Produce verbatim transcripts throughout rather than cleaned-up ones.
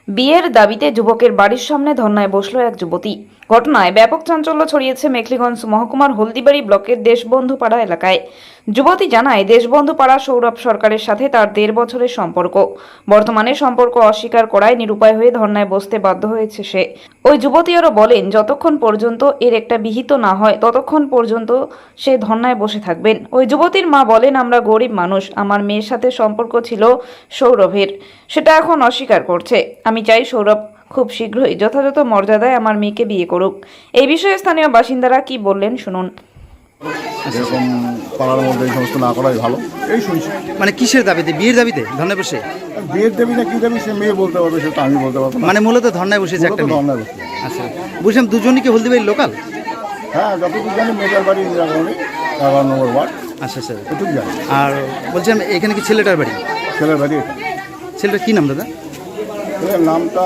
বিয়ের দাবিতে যুবকের বাড়ির সামনে ধর্নায় বসল এক যুবতী। ঘটনায় ব্যাপক চাঞ্চল্য ছড়িয়েছে মেখলিগঞ্জ মহকুমার হলদিবাড়ি ব্লকের দেশবন্ধু পাড়া এলাকায়। যুবতী জানায়, দেশবন্ধু পাড়া সৌরভ সরকারের সাথে তার দেড় বছরের সম্পর্ক। বর্তমানে সম্পর্ক অস্বীকার করায় নিরুপায় হয়ে ধর্নায় বসতে বাধ্য হয়েছে সে। ওই যুবতী আরও বলেন, যতক্ষণ পর্যন্ত এর একটা বিহিত না হয় ততক্ষণ পর্যন্ত সে ধর্নায় বসে থাকবেন। ওই যুবতীর মা বলেন, আমরা গরিব মানুষ, আমার মেয়ের সাথে সম্পর্ক ছিল সৌরভের, সেটা এখন অস্বীকার করছে। আমি চাই সৌরভ খুব শীঘ্রই যথাযথ মর্যাদায় আমার মেয়েকে বিয়ে করুক। এই বিষয়ে স্থানীয় বাসিন্দারা কি বললেন শুনুন। এরকম পাড়ার মধ্যে এই সমস্ত না করাই ভালো, এই শুনছি। মানে কিসের দাবিতে? বিয়ের দাবিতে ধর্নায় বসে? বিয়ের দেবী না কি দেবী সে মেয়ে বলতে পারবে, সেটা আমি বলতে পারবো না। মানে মূলত ধর্নায় বসেছে একটা মেয়ে। ধর্নায় বসে। আচ্ছা, বুঝলাম দুজনই কি হলদিবাড়ির লোকাল? হ্যাঁ, যতটুকু জানি মেয়েটার বাড়ি ইন্দিরাগামী এগারো নম্বর ওয়ার্ড। আচ্ছা স্যার, এটুকু জানি। আর বলছিলাম এখানে কি ছেলেটার বাড়ি? ছেলের বাড়ি এটা। ছেলেটার কি নাম দাদা? এর নামটা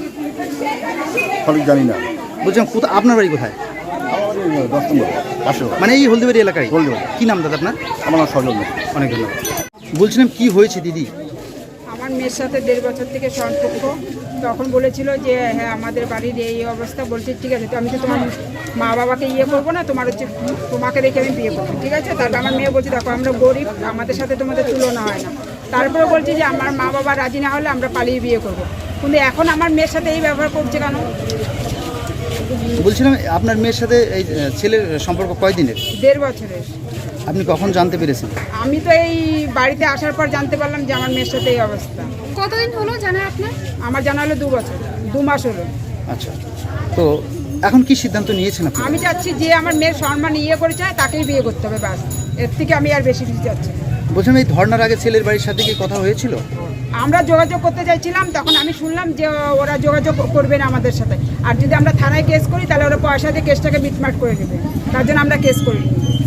সঠিক জানি না। বলছিলাম কোথা, আপনার বাড়ি কোথায়? আমার বাড়ি দশ নম্বর পাশে। মানে এই হলদিবাড়ি এলাকায়? হলদিবাড়ি। কি নাম দাদা আপনার? আমার নাম সজল। অনেক ধন্যবাদ। বলছিলাম কি হয়েছে দিদি? আমার মেয়ের সাথে দেড় বছর থেকে সম্পর্ক। তখন বলেছিল যে হ্যাঁ আমাদের বাড়ির এই অবস্থা, বলছে ঠিক আছে, তো আমি তো তোমার মা বাবাকে ইয়ে করবো না, তোমার হচ্ছে তোমাকে রেখে আমি বিয়ে করবো, ঠিক আছে। তারপর আমার মেয়ে বলছে দেখো আমরা গরিব, আমাদের সাথে তোমাদের তুলনা হয় না। তারপরে বলছে যে আমার মা বাবা রাজি না হলে আমরা পালিয়ে বিয়ে করবো। কিন্তু এখন আমার মেয়ের সাথে এই ব্যবহার করছে কেন? বলছিলাম আপনার মেয়ের সাথে এই ছেলের সম্পর্ক কয়দিনের? দেড় বছরের। আপনি কখন জানতে পেরেছেন? আমি তো এই বাড়িতে আসার পর জানতে পারলাম যে আমার মেয়ের সাথে এই অবস্থা। কতদিন হলো জানা আপনার? আমার জানা হলো দু বছর, দু মাস হলো। আচ্ছা, তো এখন কি সিদ্ধান্ত নিয়েছেন আপনি? আমি চাচ্ছি যে আমার মেয়ের সম্মান ইয়ে করে চায় তাকেই বিয়ে করতে হবে, ব্যাস। এর থেকে আমি আর বেশি কিছু চাচ্ছি না। বলছিলাম এই ধর্নার আগে ছেলের বাড়ির সাথে কি কথা হয়েছিল? আমরা যোগাযোগ করতে চাইছিলাম, তখন আমি শুনলাম যে ওরা যোগাযোগ করবে না আমাদের সাথে, আর যদি আমরা থানায় কেস করি তাহলে ওরা পয়সা দিয়ে কেসটাকে মিটমাট করে দেবে, তার জন্য আমরা কেস করি।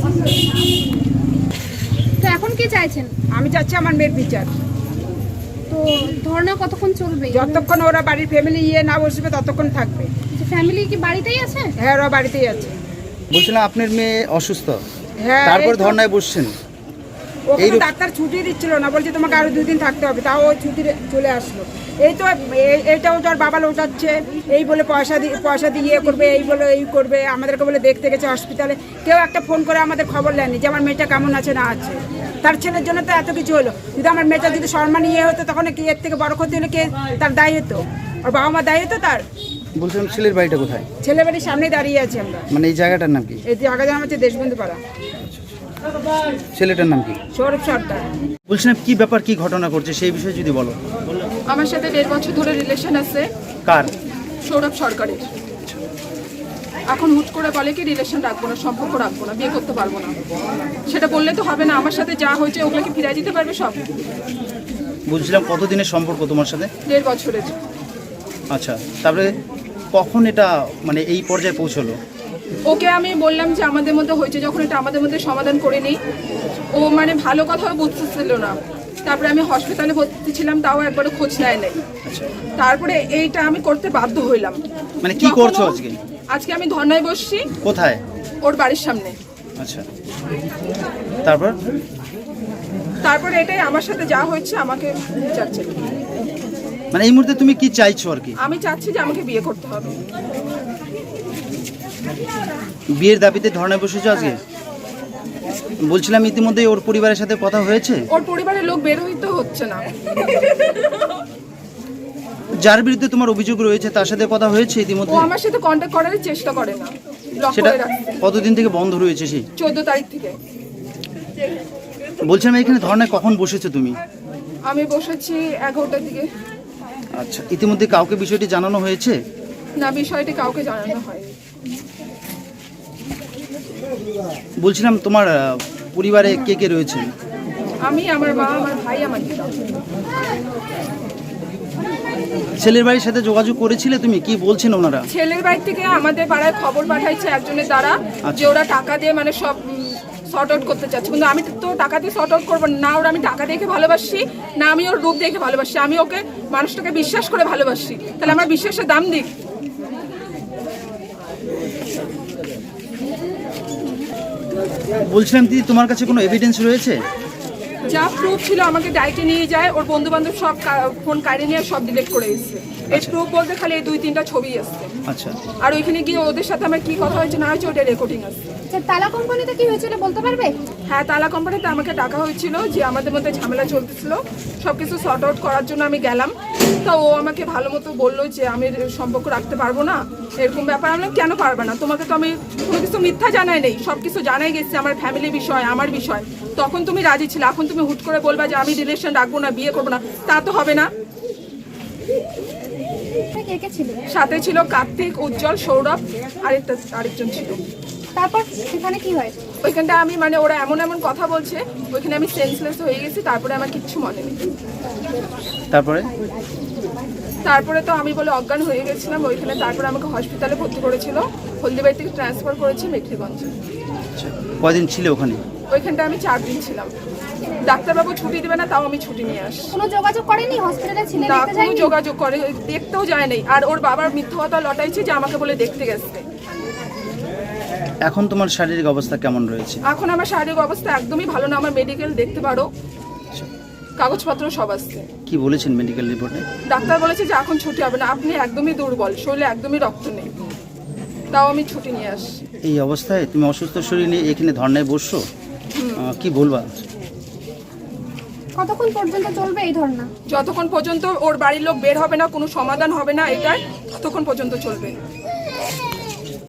তো এখন কি চাইছেন? আমি চাচ্ছি আমার মেয়ের বিচার। তো ধর্ণা কতক্ষণ চলবে? যতক্ষণ ওরা বাড়ির ফ্যামিলি ইয়ে না বসবে ততক্ষণ থাকবে। ফ্যামিলি কি বাড়িতেই আছে? হ্যাঁ, ওরা বাড়িতেই আছে। বলছিলাম আপনার মেয়ে অসুস্থ, হ্যাঁ, তারপর এই তো। ধর্নায় বসছেন। ওখানে এইরূপ- ডাক্তার ছুটি দিচ্ছিল না, বলছে তোমাকে আরো দুই দিন থাকতে হবে, তাও ওই ছুটি চলে আসলো। এই তো এই- এইটাও তো আর বাবা লোটাচ্ছে, এই বলে পয়সা দিয়ে পয়সা দিয়ে ইয়ে করবে, এই বলে এই করবে, আমাদেরকে বলে দেখতে গেছে হসপিটালে। কেউ একটা ফোন করে আমাদের খবর নেয়নি যে আমার মেয়েটা কেমন আছে না আছে। তার ছেলের জন্য তো এত কিছু হলো। যদি আমার মেয়েটা যদি সম্মান ইয়ে হতো তখন কি এর থেকে বড় ক্ষতি হলে কে তার দায়ী হতো? আর বাবা মা দায়ী হতো তার? বলছিলাম ছেলের বাড়িটা কোথায়? ছেলে বাড়ির সামনে দাঁড়িয়ে আছি আমরা। মানে এই জায়গাটার নাম কি? এই জায়গা জানা হচ্ছে দেশবন্ধু পাড়া। ছেলেটার নাম কি? সৌরভ সরকার। বলছিলাম কি ব্যাপার, কি ঘটনা করছে সেই বিষয়ে যদি বলো। আমার সাথে দেড় বছর ধরে রিলেশন আছে। কার? সৌরভ সরকারের। এখন হুট করে বলে কি রিলেশন রাখবো না, সম্পর্ক রাখবো না, বিয়ে করতে পারবো না। সেটা বললে তো হবে না, আমার সাথে যা হয়েছে ওগুলোকে ফিরিয়ে দিতে পারবে সব। বলছিলাম কতদিনের সম্পর্ক তোমার সাথে? দেড় বছরের। আচ্ছা, তারপরে কখন এটা মানে এই পর্যায়ে পৌঁছলো? ওকে আমি বললাম যে আমাদের মধ্যে হয়েছে যখন এটা আমাদের মধ্যে সমাধান করে নিই। ও মানে ভালো কথাও বুঝতেছিল না। তারপরে আমি হসপিটালে ভর্তি ছিলাম, তাও একবারও খোঁজ নেয় নাই। তারপরে এইটা আমি করতে বাধ্য হইলাম। মানে কি যখন করছো ও- আজকে? আজকে আমি ধর্নায় বসছি কোথায়? ওর বাড়ির সামনে। আচ্ছা, তারপর? তারপরে এটাই আমার সাথে যা হয়েছে আমাকে চাচ্ছে। মানে এই মুহূর্তে তুমি কি চাইছো আর কি? আমি চাচ্ছি যে আমাকে বিয়ে করতে হবে। বিয়ের দাবিতে ধর্নায় বসেছো আজকে? বলছিলাম ইতিমধ্যে ওর পরিবারের সাথে কথা হয়েছে? ওর পরিবারের লোক বের হইতে হচ্ছে না। যার বিরুদ্ধে তোমার অভিযোগ রয়েছে তার সাথে কথা হয়েছে ও ইতিমধ্যে? আমার সাথে কন্ট্যাক্ট করার চেষ্টা করে না, ব্লক সেটা করে রাখছে কতদিন থেকে বন্ধ রয়েছে সেই? চোদ্দ তারিখ থেকে। বলছিলাম এখানে ধর্নায় কখন বসেছো তুমি? আমি বসেছি এগারোটার দিকে। আচ্ছা, ইতিমধ্যে কাউকে বিষয়টি জানানো হয়েছে? না, বিষয়টি কাউকে জানানো হয়। বলছিলাম তোমার আহ, পরিবারে কে কে রয়েছে? আমি, আমার মা, আমার ভাই, আমার দিদা। ছেলের বাড়ির সাথে যোগাযোগ করেছিলে তুমি? কি বলছেন ওনারা? ছেলের বাড়ি থেকে আমাদের পাড়ায় খবর পাঠাইছে একজনের দ্বারা যে ওরা টাকা দিয়ে মানে সব শর্ট আউট করতে চাচ্ছে। কিন্তু আমি তো টাকা দিয়ে শর্ট আউট করবো না। ওরা আমি টাকা দেখে ভালোবাসি না, আমি ওর রূপ দেখে ভালোবাসি। আমি ওকে মানুষটাকে বিশ্বাস করে ভালোবাসি, তাহলে আমার বিশ্বাসের দাম দিক। বলছিলাম দিদি তোমার কাছে কোনো এভিডেন্স রয়েছে? যা প্রুফ ছিল আমাকে ডাইটে নিয়ে যায়, ওর বন্ধু বান্ধব সব ফোন কাড়ে নিয়ে সব ডিলিট করে এসছে। এই প্রুফ বলতে খালি এই দুই তিনটা ছবি আসছে। আচ্ছা, আর ওইখানে গিয়ে ওদের সাথে আমার কি কথা হয়েছে না হয়েছে ওটা রেকর্ডিং আছে। আচ্ছা, তালা কোম্পানিতে কি হয়েছিল বলতে পারবে? হ্যাঁ, তালা কোম্পানিতে আমাকে ডাকা হয়েছিল যে আমাদের মধ্যে ঝামেলা চলতেছিল, সব কিছু সর্ট আউট করার জন্য আমি গেলাম। তা ও আমাকে ভালো মতো বললো যে আমি সম্পর্ক রাখতে পারবো না, এরকম ব্যাপার। আমি বললাম, কেন পারবে না? তোমাকে তো আমি কোনো কিছু মিথ্যা জানাই নেই, সব কিছু জানাই গেছি, আমার ফ্যামিলি বিষয়, আমার বিষয়। তখন তুমি রাজি ছিলে, এখন তুমি হুট করে বলবা যে আমি রিলেশন রাখবো না, বিয়ে করবো না, তা তো হবে না। কে কে ছিল? সাথে ছিল কার্তিক, উজ্জ্বল, সৌরভ, আরেকটা আরেকজন ছিল। তারপর সেখানে কি হয়? ওইখানটা আমি মানে ওরা এমন এমন কথা বলছে, ওইখানে আমি সেন্সলেস হয়ে গেছি। তারপরে আমার কিচ্ছু মনে নেই। তারপরে তারপরে তো আমি বলে অজ্ঞান হয়ে গেছিলাম ওইখানে। তারপরে আমাকে হসপিটালে ভর্তি করেছিল, হলদিবাড়ি থেকে ট্রান্সফার করেছে মেখলিগঞ্জে। আচ্ছা, কয়দিন ছিল ওখানে? ওইখানটা আমি চার দিন ছিলাম। ডাক্তারবাবু ছুটি দেবে না, তাও আমি ছুটি নিয়ে আসি। কোনো যোগাযোগ করেনি হসপিটালে ছিলেন? না, দেখতে কোনো যায়নি? যোগাযোগ করে, দেখতেও যায় নাই। আর ওর বাবার মিথ্যা কথা লটাইছে যে আমাকে বলে দেখতে গেছে। এখন তোমার শারীরিক অবস্থা কেমন রয়েছে? এখন আমার শারীরিক অবস্থা একদমই ভালো না। আমার মেডিকেল দেখতে পারো, কাগজপত্র সব আসছে। কি বলেছেন মেডিকেল রিপোর্টে? ডাক্তার বলেছে যে এখন ছুটি হবে না, আপনি একদমই দুর্বল, শরীরে একদমই রক্ত নেই, তাও আমি ছুটি নিয়ে আসি। এই অবস্থায় তুমি অসুস্থ শরীর নিয়ে এখানে ধর্নায় বসছো, আহ, কি বলবা? কতক্ষণ পর্যন্ত চলবে এই ধর্না? যতক্ষণ পর্যন্ত ওর বাড়ির লোক বের হবে না, কোনো সমাধান হবে না এটার, ততক্ষণ পর্যন্ত চলবে।